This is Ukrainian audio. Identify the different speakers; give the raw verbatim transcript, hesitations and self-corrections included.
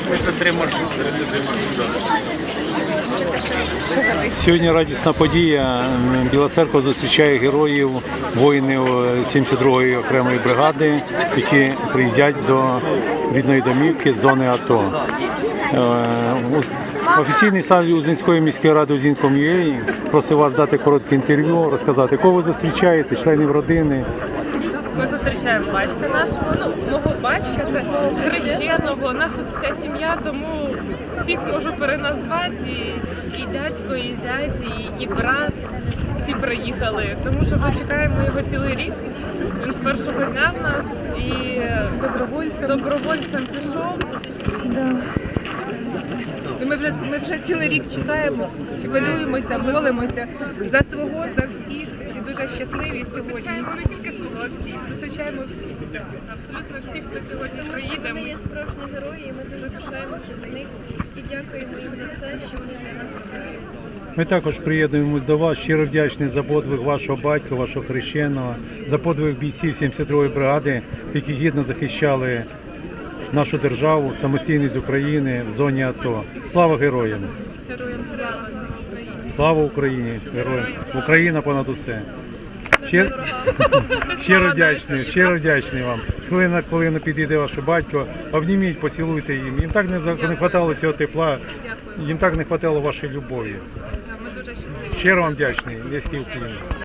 Speaker 1: тридцять три маршрути. тридцять три маршрути.
Speaker 2: Сьогодні радісна подія. Біла Церква зустрічає героїв, воїнів сімдесят другої окремої бригади, які приїздять до рідної домівки з зони АТО. Офіційний сайт Узинської міської ради Узінком.ua просив вас дати коротке інтерв'ю, розказати, кого ви зустрічаєте, членів родини.
Speaker 3: Ми зустрічаємо батька нашого, ну, мого батька, це хрещеного, у нас тут вся сім'я, тому всіх можу переназвати, і, і дядько, і зять, і, і брат, всі приїхали, тому що ми чекаємо його цілий рік, він з першого дня в нас, і добровольцем, добровольцем пішов. Да. Ми вже, ми вже цілий рік чекаємо, хвилюємося, молимося за свого, за всіх. І дуже щасливі сьогодні. Зустрічаємо не тільки свого, а всіх. Зустрічаємо всіх. Абсолютно всіх, хто сьогодні приїде.
Speaker 4: Вони є справжні герої, і ми дуже пишаємося до них і дякуємо їм за все, що вони для нас роблять.
Speaker 2: Ми також приєднуємось до вас, щиро вдячні за подвиг вашого батька, вашого хрещеного, за подвиг бійців сімдесят другої бригади, які гідно захищали нашу державу, самостійність України в зоні АТО. Слава героям!
Speaker 3: Героям слава!
Speaker 2: Слава Україні! Героям! Україна понад усе! Щиро, щиро вдячний, щиро вдячний вам. З хвилини на хвилину підійде ваш батько, обніміть, поцілуйте їм. Їм так не, не хватало цього тепла, їм так не хватало вашої любові.
Speaker 3: Ми дуже щасливі.
Speaker 2: Щиро вам вдячний, Леський Україна.